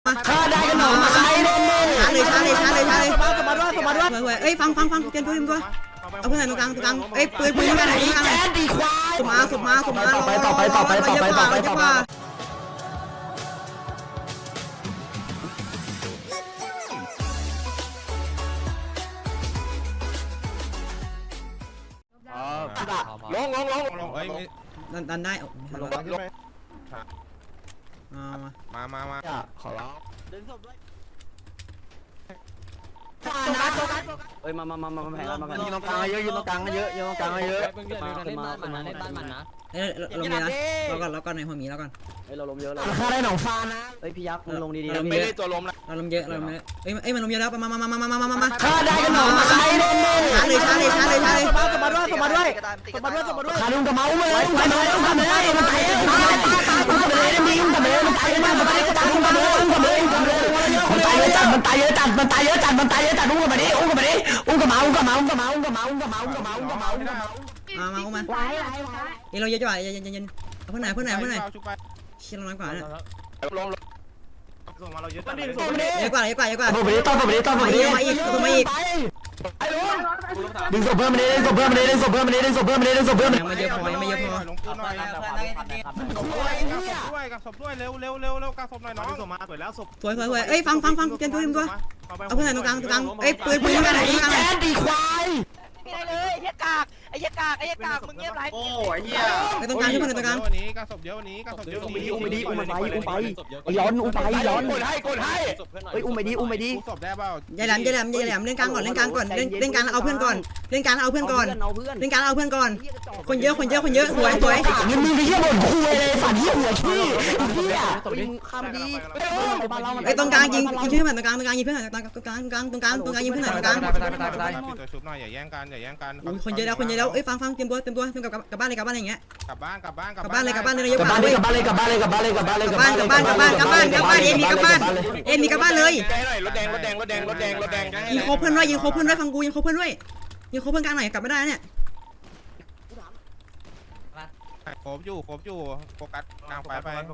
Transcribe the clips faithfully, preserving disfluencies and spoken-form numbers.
มาฆ่าได้กันหนอมาใช้เล่นช้าเลยช้าเลยช้าเลยช้าเลยสบายด้วยสบายด้วยเอ้ยฟังฟังฟังเปลี่ยนปืนด้วยเอาเพื่อนตรงกลางตรงกลางเอ้ยปืนปืนกันไหนแจ๊ดดีควายสมาสมาสมาต่อไปต่อไปต่อไปต่อไปต่อไปต่อไปลงลงลงลงดันดันได้มามามามาขอร้องเอ้ยมามามามาแผงมาแผงยืนตรงกลางเยอะยืนตรงกลางเยอะยืนตรงกลางเยอะขึ้นมาขึ้นมาเล่นบ้านมันนะเอ้ยลงเลยนะเราก่อนเราก่อนในหัวหมีเราก่อนเฮ้ยเราล้มเยอะเลยฆ่าได้หนองฟ้านะเฮ้ยพี่ยักษ์มึงลงดีๆไม่ได้ตัวล้มนะเราลมเยอะเราลมเยอะเอ้ยเอ้ยมันลมเยอะแล้วมามามามามามามามาฆ่าได้กันหนอมาใช้เล่นช้าเลยช้าเลยช้าเลยช้าเลยสบายด้วยสบายด้วยสบายด้วยสบายด้วยขาลุงกับเมาส์มาเลยมาเลยอุ้มกับเลยมันตายเลยมันตายเลยมันตายเลยมันตายเลยมันตายเลยมันตายเลยมันตายเลยมันตายเลยมันตายเลยจัดมันตายเยอะจัดมันตายเยอะจัดมันตายเยอะจัดอุ้มกับมันดิอุ้มกับมันดิอุ้มกับเมาส์อุ้มกับเมาส์อุ้มกับเมาส์อุ้มกับเมาส์อุ้มกับเมาส์อุ้มกับเมาส์อุ้มกับเมาส์อุ้มกับเมาส์มามาอุ้มมาไหวไหวไหวเอ้ยเราเยอะจังเย็นเย็นเย็นเพื่อนไหนเพื่อนไหนเพื่อนไหนเชี่ยเราน้อยกว่าเนี่ยลงลงส่งมาเราเยอะจังเยอะกว่าเยอะกว่าเยอะกว่าผมไม่ได้ต้องผมไม่ได้ต้องผมไม่ได้มาอีกมาอีกดึงศพเพิ่มมาดิดึงศพเพิ่มมาดิดึงศพเพิ่มมาดิดึงศพเพิ่มมาดิดึงศพเพิ่มยังไม่เยอะพอยังไม่เยอะพอลงปืนหน่อยด้วยกับศพด้วยเร็วเร็วเร็วเร็วกับศพหน่อยน้องส่งมาสวยแล้วศพสวยสวยสวยเอ้ยฟังฟังฟังเปลี่ยนปืนด้วยเอาเพื่อนไหนตรงกลางตรงกลางเอ้ยปืนปืนกันไหนแจ๊ดดีควายไม่ได้เลยไอ้กากไอ้กากไอ้กากมึงเงียบไรโอ้ยเหี้ยไปตรงกลางที่เพื่อนตรงกลางวันนี้กับศพเยอะวันนี้กับศพเยอะอุ้มไปดิอุ้มไปดิอุ้มไปอุ้มไปย้อนอุ้มไปย้อนกดให้กดให้เฮ้ยอุ้มไปดิอุ้มไปดิศพได้เปล่าอย่าแหลมอย่าแหลมอย่าแหลมเล่นกลางก่อนเล่นกลางก่อนเล่นเล่นกลางเอาเพื่อนก่อนเล่นกลางเอาเพื่อนก่อนเอาเพื่อนเล่นกลางเอาเพื่อนก่อนคนเยอะคนเยอะคนเยอะสวยสวยมึงมึงไปเยี่ยมบ่นคุยเลยฝันเยี่ยหัวขี้เหี้ยข้ามดีไอ้ตรงกลางยิงยิงเพื่อนตรงกลางตรงกลางยิงเพื่อนตรงกลางตรงกลางตรงกลางตรงกลางตรงกลางยิงเพื่อนตรงกลางตัวชุบหน่อยอย่าแย่งกันอย่าแย่งกันคนเยอะแล้วคนเยอะแล้วเอ้ยฟังฟังเตรียมตัวเตรียมตัวเตรียมกับกลับบ้านเลยกลับบ้านอะไรอย่างเงี้ยกลับบ้านกลับบ้านกลับบ้านเลยกลับบ้านเลยเยอะกลับกว่าบ้านเลยกลับบ้านเลยกลับบ้านเลยกลับบ้านเลยกลับบ้านเลยกลับบ้านกลับบ้านกลับบ้านกลับบ้านกลับบ้านกลับบ้านเอ็มมีกลับบ้านเอ็มมีกลับบ้านเลยใกล้หน่อยรถแดงรถแดงรถแดงรถแดงรถแดงยิงโคเพื่อนด้วยยิงโคเพื่อนด้วยฟังกูยิงโคเพื่อนด้วยยิงโคเพื่อนกลางหน่อยกลับไม่ได้เนี่ยโคบอยู่โคบอยู่โฟกัสกลางไฟไปยิงโค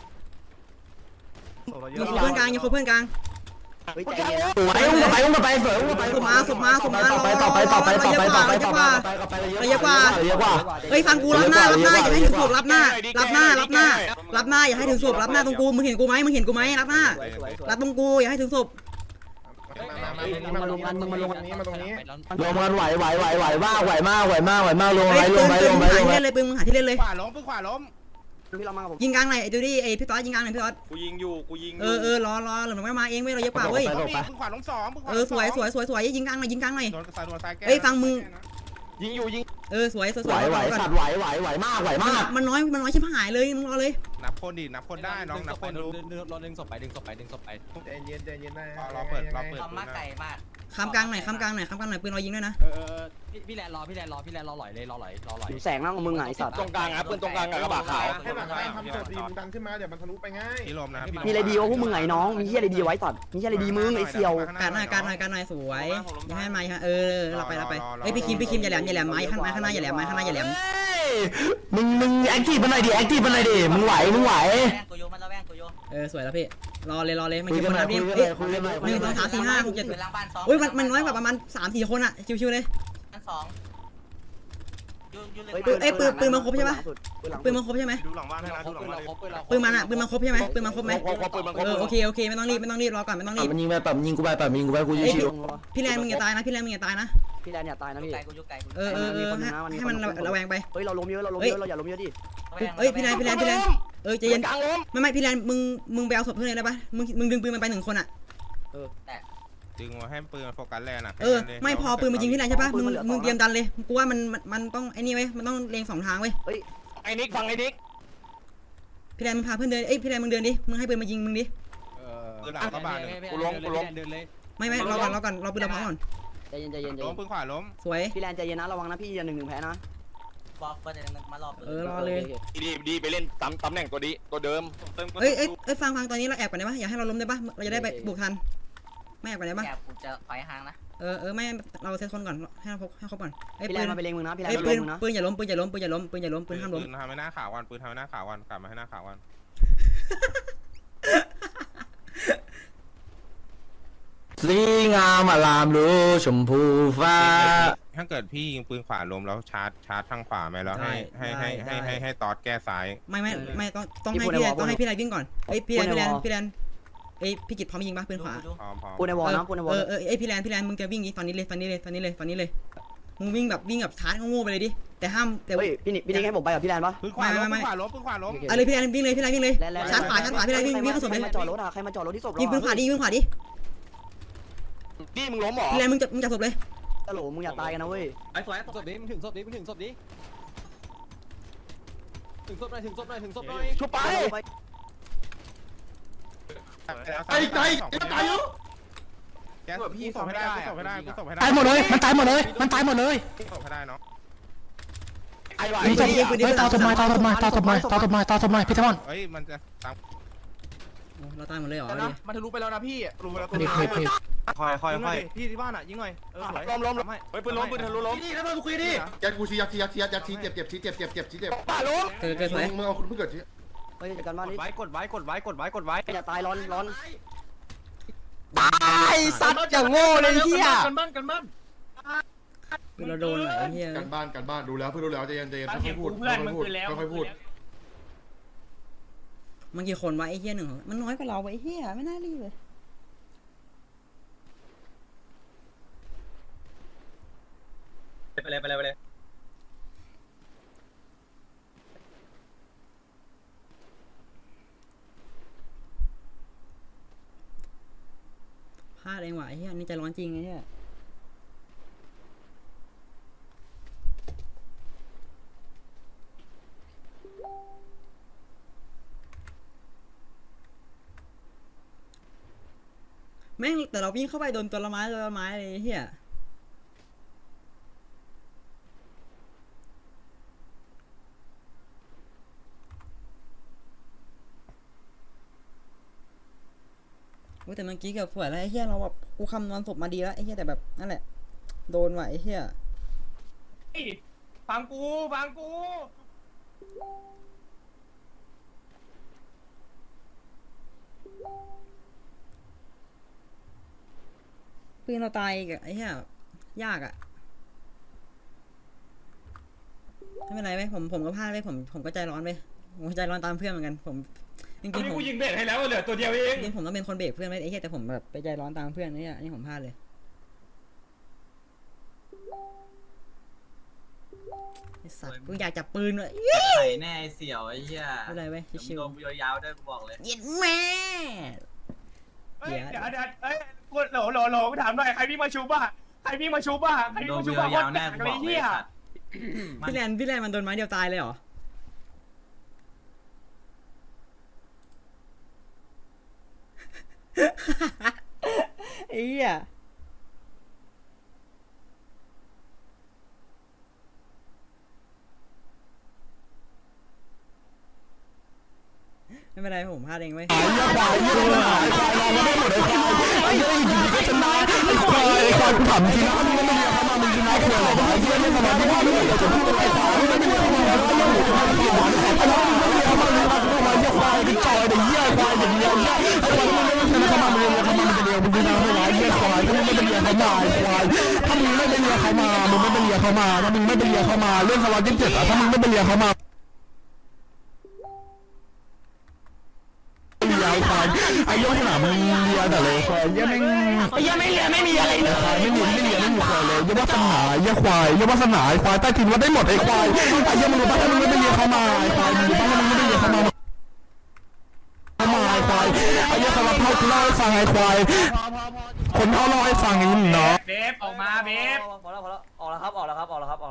เพื่อนกลางยิงโคเพื่อนกลางเฮ้ยใจเย็นไปอุ้มกับไปอุ้มกับไปเสืออุ้มกับไปสุมาสุมาสุมาต่อไปต่อไปต่อไปต่อไปต่อไปต่อไปเยอะกว่าเยอะกว่าเฮ้ยฟังกูรับหน้ารับหน้าอย่าให้ถึงศพรับหน้ารับหน้ารับหน้ารับหน้าอย่าให้ถึงศพรับหน้าตรงกูมึงเห็นกูไหมมึงเห็นกูไหมรับหน้ารับตรงกูอย่าให้ถึงศพมาลงกันมึงมาลงกันนี้มาตรงนี้ลงมันไหวไหวไหวไหวมากไหวมากไหวมากไหวมากลงเฮ้ไปยลปืงนไปปืลนงมึไปงลหาง ที่ไปเล่นเลยปืนมึงหาที่เล่นเลยขวาล้มปืนขวาล้มพี่เรามากับผมยิงกลางหน่อยไอ้ดูดิไอ้พี่ต๊อดยิงกลางหน่อยพี่ต๊อดกูยิงอยู่กูยิงเออเออรอรอหรือไม่มาเองเว้ยเราเยอะกว่าเว้ยปืนขวาล้มสองปืนขวาเออสวยสวยสวยสวยยิงกลางหน่อยยิงกลางหน่อยโดนสายโดนสายแก้เฮ้ยฟังมึงยิงอยู่ยิงเออสวยสวยสไหววยไหวสัตว์ไหวไหวไหวมากไหวมากมันน้อยมันน้อยชิบหายเลยมึงรอเลยนับคนดินับคนได้น้องนับคนดูรอดึงศพไปดึงศพไปดึงศพไปใจเย็นใจเย็นได้รอเปิดรอเปิดทำมากไก่มากข้ามกลางหน่อยข้ามกลางหน่อยข้ามกลางหน่อยปืนเรายิงด้วยนะเออเออพี่พี่แลนรอพี่แลนรอพี่แลนรอหลอยเลยรอหลอยรอหลอยแสงนั่งของมึงไงสัตว์ตรงกลางครับปืนตรงกลางกับกระบะขาวให้หลังบ้านทำศพดีมึงดันขึ้นมาเดี๋ยวมันทะลุไปง่ายพี่ลมนะครับมีอะไรดีวะพวกมึงไงน้องมีเหี้ยอะไรดีไว้สัตว์มีเหี้ยอะไรดีมึงไอ้เสี่ยวการหน่อยการหน่อยการหน่อยสวยอย่าให้ไม้ฮะเออเราไปเราไปเฮ้ยพี่คิมพี่คิมอย่าแหลมอย่าแหลมไม้ข้างไม้ข้างหน้าอย่าแหลมไม้ข้างหน้าอย่าแหลมมึงมึงแอคทีฟมันหน่อยดิแอคทีฟมันหน่อยดิมึงไหวมึงไหวแว่งกูโยมันแล้วแว่งกูโยเออสวยแล้วพี่รอเลยรอเลยมันคุยกี่กัคน นหน่อนะยพี่คุยกันหเอ้น่อย ยคุยกันหน่อยหนึ่งสองสามสี่ห้าหกเจ็ดเป็นล้างบ้านสองอุ้ยมันมันน้อยกว่าประมาณสามสี่คนอะชิวๆเลยบ้านสองยูยูเลยปืนเอ้ยปืนปืนมันครบใช่ปะปืนมันครบใช่ไหมดูหลังบ้านให้นะดูหลังบ้านปืนมันอะปืนมันครบใช่ไหมปืนมันครบไหมครบครบปืนมันครบเออโอเคโอเคไม่ต้องรีบไม่ต้องรีบรอก่อนไม่ต้องรีบมันยิงไปแบบยิงกูไปแบบยิงกูไปกูชิวพี่แรนมึงอย่าตายนะพี่แรนมึงอย่าตายนะพี่แลนอย่าตายนะพี่ไก่กูยูไก่กูเออเออเออให้ให้มันระแวงไปเฮ้ยเราล้มเยอะเราล้มเยอะเราอย่าล้มเยอะดิเอ้ยพี่แรนพี่แรนพี่แรนเออใจเย็นไม่ไม่พี่แรนมึงมึงไปเอาศพเพื่อนเลยได้ปะมึงมึงดึงปืนมันไปหนึ่งคนอะดึงมาให้ปืนโฟกัสแลนอ่ะเออไม่พอปืนมายิงพี่แรนใช่ปะมึงมึงเตรียมดันเลยกูว่ามันมันต้องไอ้นี่เว้ยมันต้องเลงสองทางเว้ยไอ้นิกฟังไอ้นิกพี่แรนมึงพาเพื่อนเดินเอ้ยพี่แรนมึงเดินดิมึงให้ปืนมายิงมึงดิปืนหลังก็บานหนึ่งกูล้มกูล้มเดินเลยไม่ไม่รอก่อนรอก่อนรอปืนเราพร้อมก่อนใจเย็นใจเย็นใจล้เย็มนปืนขวาล้มสวยพี่แลนใจเย็นนะระวังนะพี่อย่าหนึ่งหนึ่งแพ้นะบอกเปิดเดี๋ยวมารอบเออรอเลยดีดีไปเล่นตำตำแหน่งตัวดีตัวเดิมเอ้ยเอ้ยเอ้ยฟังฟังตอนนี้เราแอบก่อนได้ปะอย่าให้เราล้มได้ปะเราจะได้ไปบุกทันไม่แอบก่อนได้ปะแอบกูจะถอยห่างนะเออเออไม่เราเซตคนก่อนให้เราให้ครบก่อนไอ้พี่แลปืนนมาไปเลงมึงนะพี่แลนไอ้มาปืเลนงมึงนะปืนอย่าล้มปืนอย่าล้มปืนอย่าล้มปืนอย่าล้มปืนห้ามล้มปืนทำให้หน้าขาววันปืนทำให้หน้าขาววันกลับมาให้หน้าขาววันสีงามอลามรู้ชมพูฟ้าถ้าเกิดพี่ยิงปืนขวาลมแล้วชาร์จชาร์จทางขวาไหมแล้วให้ให้ให้ให้ให้ให้ตอดแก้ซ้ายไม่ไม่ไม่ต้องต้องให้พี่แลนต้องให้พี่แลนวิ่งก่อนเอ้ยพี่แลนพี่แลนพี่แลนเอ้ยพี่กิตพร้อมยิงปะปืนขวาพร้อมพร้อมปูในวอลนะปูในวอเอลอเออเอ้ยพี่แลนพี่แลนมึงจะวิ่งนี้ตอนนี้เลยตอนนี้เลยตอนนี้เลยตอนนี้เลยมึงวิ่งแบบวิ่งแบบชาร์จโง่ๆไปเลยดิแต่ห้ามแต่เฮ้ยพี่นิพี่นิให้ผมไปกับพี่แลนปะปืนขวาล้มปืนขวาล้มปืนขวาล้มเอาเลยพี่แลนวิ่งเลยพี่แลนวิ่งเลยแลนแลนชาร์จขวาชาร์จขวาพี่แลนวิ่งวิ่งเข้าศพใคเลรยมาจอดรถอะใครมาจอดรถที่ศพยิงปืนขวาดิยิงปืนขวาดินี่มึงล้มหรอพี่แลนมึงจะมึงจับศพเลยตลกมึงอย่าตายกันนะเว้ยไอ้สวยศพดิมึงถึงศพดิมึงถึงศพดิถึงศพหน่อยถึงศพหน่อยถึงศพหน่อยชุบไปไอ้ใจไอ้ใจเยอะแกพี่ส่งให้ได้กูส่งให้ได้กูส่งให้ได้ตายหมดเลยมันตายหมดเลยมันตายหมดเลยส่งให้ได้เนาะไอ้ไหวมีศพเฮ้ยตาศพมาตาศพมาตาศพมาตาศพมาตาศพมาพี่ทมอนเฮ้ยมันจะตามเราตายหมดเลยเหรอนะมันทะลุไปแล้วนะพี่รู้ไปแล้วนี่คือคือค่อยค่อยค่อยพี่ที่บ้านอ่ะยิงหน่อยเออสวยล้มล้มล้มเฮ้ยปืนล้มปืนทะลุล้มนี่แล้วมึงคุยดิยัดกูชี้ยัดชี้ยัดชี้ยัดยัดชี้เจ็บเจ็บชี้เจ็บเจ็บเจ็บชี้เจ็บป่าล้มเกิดเกิดสวยมึงเอาคุณเพิ่งเกิดชี้เฮ้ยจัดการบ้านกดนี้ไว้กดไว้กดไว้กดไว้กดไว้อย่าตายร้อนร้อนตายสัตว์อย่างโง่เลยเฮียกันบ้านกันบ้านคือเราโดนเหรอไอ้เหี้ยกันบ้านกันบ้านดูแล้วเพื่อนดูแล้วใจเย็นใจเย็นค่อยพูดค่อยพูดค่อยพูดมันกี่คนวะไอ้เหี้ยหนึ่งมันน้อยกว่าเราไอ้เหี้ยไม่น่ารีบเลยไปเลยไปเลยไปเลยพลาดเองว่ะไอ้เหี้ยนี่ใจร้อนจริงไอ้เหี้ยแม่งแต่เราวิ่งเข้าไปโดนตัวละไม้ตัวละไม้เลยไอ้เหี้ยโอ้แต่เมื่อกี้เกือบสวยแล้วไอ้เหี้ยเราแบบกูคำนวณศพมาดีแล้วไอ้เหี้ยแต่แบบนั่นแหละโดนว่ะไอ้เหี้ยฟังกูฟังกูปืนเราตายอีกอะไอ้เหี้ยยากอะไม่เป็นไรไหมผมผมก็พลาดไปผมผมก็ใจร้อนไปผมใจร้อนตามเพื่อนเหมือนกันผมจริงๆผมกูยิงเบรกให้แล้วเหลือตัวเดียวเองจริงๆผมต้องเป็นคนเบรกเพื่อนไว้ไอ้เหี้ยแต่ผมแบบไปใจร้อนตามเพื่อนนี่อะนี่ผมพลาดเลยไอ้สัตว์กูอยากจับปืนเลยไข่แน่เสี่ยวไอ้เหี้ยไม่เป็นไรเว้ยชิวโดนกูยาวๆด้วยกูบอกเลยๆเย็นแม่เฮ้ยเดี๋ยวเดี๋ยวเอ้ยกูโหลโหลโหลถามหน่อยใครพี่มาชูบ้าใครพี่มาชูบ้าใครพี่โดนมากูชูบ้ายาวๆแน่กูบอกเลยสัตว์พี่แลนพี่แลนมันโดนไม้เดียวตายเลยเหรอไอ้เหี้ยไม่เป็นไรผมพลาดเองเว้ยไอ้เหี้ยควายเหี้ยควายควายเราไม่หมดไอ้ควายไอ้เหี้ยอยู่ดีก็ชนะไอ้ควายไอ้ควายกูถามจริงนะมึงไม่เรียกเขามามึงชนะกูเลยไอ้เหี้ยไม่สบายไม่ว่าไม่เรียกจะพูดไอ้ควายไม่เรียกเขามาแล้วยังหมูจะมาเรียกหวานไอ้ควายมึงไม่เรียกเขามาเลยนะกูมาเหี้ยควายดิจอยไอ้เหี้ยควายอย่างเงี้ยไอ้ควายมึงไม่ชนะเขามามึงเรียกเขามามึงจะเรียกมึงชนะไม่ไหวเหี้ยควายถ้ามึงไม่ไปเรียกเขามาไอ้ควายถ้ามึงไม่ไปเรียกเขามามึงไม่ไปเรียกเขามาถ้ามึงไม่ไปเรียกเขามาเรื่องสล็อตยี่สิบเจ็ดอะถ้ามึงไม่ไปเรียกเขามาไอ้ควายไอ้ยอดหนามึงเลียแต่เลยควายยังไม่ไอ้ยังไม่เลียไม่มีอะไรเลยไม่มีไม่เลียไม่มีควายเลยยังว่าสนายังควายยังว่าสนาไอ้ควายใต้กินว่าได้หมดไอ้ควายไอ้ยังมึงรู้ป่ะถ้ามึงไม่ไปเลียเข้ามาไอ้ควายมึงรู้ป่ะถ้ามึงไม่ไปเลียเข้ามาเข้ามาไอ้ควายไอ้ยังสารพัดกูเล่าให้ฟังไอ้ควายคนเขาเล่าให้ฟังอย่างนี้เนาะเบฟออกมาเบฟพอแล้วพอแล้วออกแล้วครับออกแล้วครับออกแล้วครับออก